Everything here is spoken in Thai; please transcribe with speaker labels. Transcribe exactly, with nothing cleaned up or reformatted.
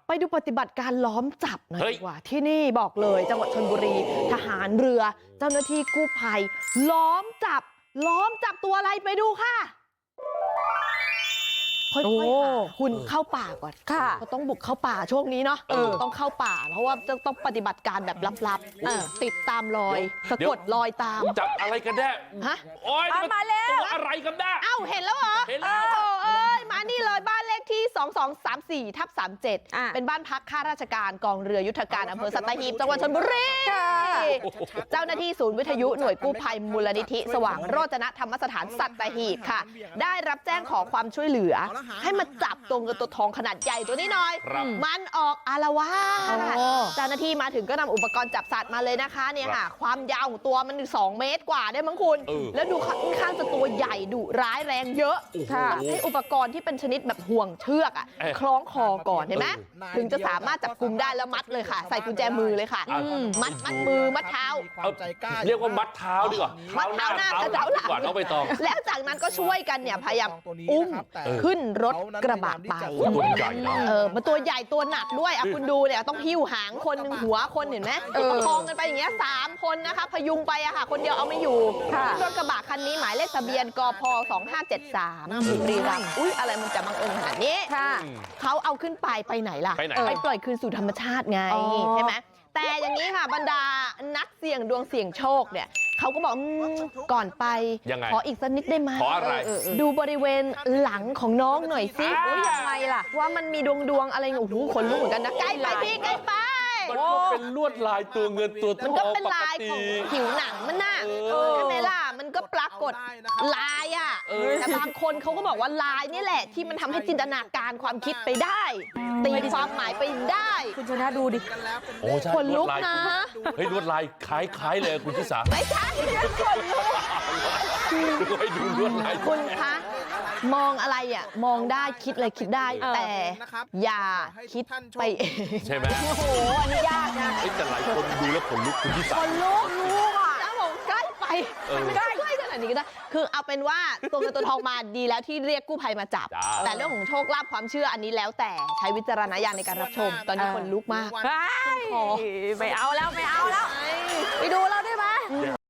Speaker 1: ไปดูปฏิบัติการล้อมจับหน่อยดีกว่าที่นี่บอกเลยจังหวัดชลบุรีทหารเรือเจ้าหน้าที่กู้ภัยล้อมจับล้อมจับตัวอะไรไปดูค่ะค่อยๆหาคุณเข้าป่าก่อนค่ะก็ต้องบุกเข้าป่าช่วงนี้เนาะต้องเข้าป่าเพราะว่าจะต้องปฏิบัติการแบบลับๆติดตามรอยสะกดรอยตาม
Speaker 2: จับอะไรกันแน่ฮะโอ้ย
Speaker 1: มาแล้ว
Speaker 2: อะไรกันแน่
Speaker 1: เอ้าเห็นแล้วเหรอ
Speaker 2: เห็นแล้ว
Speaker 1: เอ้ยมานี่เลยบ้านเลขที่สองสองสามสี่ทับสามเจ็ดเป็นบ้านพักข้าราชการกองเรือยุทธการอำเภอสัตหีบจังหวัดชลบุรีเจ้าหน้าที่ศูนย์วิทยุหน่วยกู้ภัยมูลนิธิสว่างโรจนธรรมสถานสัตหีบค่ะได้รับแจ้งขอความช่วยเหลือให้มาจับตัวเงินตัวทองขนาดใหญ่ตัวนี้หน่อยมันออกอารวาสเจ้าหน้าที่มาถึงก็นำอุปกรณ์จับสัตว์มาเลยนะคะเนี่ยค่ะความยาวของตัวมันสองเมตรกว่าได้มั้งคุณแล้วดูค่อนข้างจะตัวใหญ่ดุร้ายแรงเยอะต้องใช้อุปกรณ์ที่เป็นชนิดแบบห่วงเชือกอ่ะคล้องคอก่อนเห็นไหมถึงจะสามารถจับกุมได้แล้วมัดเลยค่ะใส่กุญแจมือเลยค่ะมัดมัดมือมัดเท้า
Speaker 2: เรียกว่ามัดเท้าดีกว่า
Speaker 1: มัดเท้าหน้าเท้าหลัง
Speaker 2: น้องใบตอง
Speaker 1: แล้วจากนั้นก็ช่วยกันเนี่ยพยายามอุ้มขึ้นรถกระบะไป
Speaker 2: ตัวใหญ่นะ
Speaker 1: เออมันตัวใหญ่ตัวหนักด้วยอ่ะคุณดูเนี่ยต้องหิ้วหางคนหนึ่งหัวคนเห็นไหมประคองกันไปอย่างเงี้ยสามคนนะคะพยุงไปอะค่ะคนเดียวเอาไม่อยู่รถกระบะคันนี้หมายเลขทะเบียนกพสองห้าเจ็ดสามบุรีรัมย์อุ้ยอะไรมันจะบังเอิญขนาดนี้เขาเอาขึ้นไปไปไหนล่ะไปปล่อยคืนสู่ธรรมชาติไงใช่ไหมแต่อย่างนี้ค่ะบรรดานักเสี่ยงดวงเสี่ยงโชคเนี่ยเขาก็บอกก่อนไปขออีกสักนิดได้ไหม
Speaker 2: ขออะไร
Speaker 1: ดูบริเวณหลังของน้องหน่อยสิยังไงล่ะว่ามันมีดวงดวงอะไรโอ้โหขนลุกเหมือนกันนะใกล้ไปพี่ใกล้ไป
Speaker 2: มันก็เป็นลวดลายตัวเงินตัวทอง
Speaker 1: มันก็เป็นลายของผิวหนังมันน่ะใช่ไหมล่ะมันก็ปรากฏลายอ่ะแต่บางคนเขาก็บอกว่าลายนี่แหละที่มันทำให้จินตนาการความคิดไปได้ตีความหมายไปได้คุณชนะดูดิ
Speaker 2: โอ้ใช่
Speaker 1: ขนลุกนะ
Speaker 2: เฮ้ยลวดลายคล้ายๆเลยคุณชิสา
Speaker 1: ไม่ใช่ขนลุก
Speaker 2: ดูให้ดูลวดลาย
Speaker 1: คุณคะมองอะไรอ่ะมองได้คิดอะไรคิดได้แต่อย่าคิดไปเอง
Speaker 2: ใช่ไหม
Speaker 1: โอ้โหอันนี้ยากนะ
Speaker 2: แต่หลายคนดูแล้วขนลุกคุณชิสา
Speaker 1: ขนลุกรู้อ่ะแล้วบอกใกล้ไปใกล้ใกล้ขนาดนี้ก็ได้คือเอาเป็นว่าตัวเงินตัวทองมาดีแล้วที่เรียกกู้ภัยมาจับแต่เรื่องของโชคลาภความเชื่ออันนี้แล้วแต่ใช้วิจารณญาณในการรับชมตอนนี้ขนลุกมาก
Speaker 3: ไม่เอาแล้วไม่เอาแล้วไปดูเราได้ไหม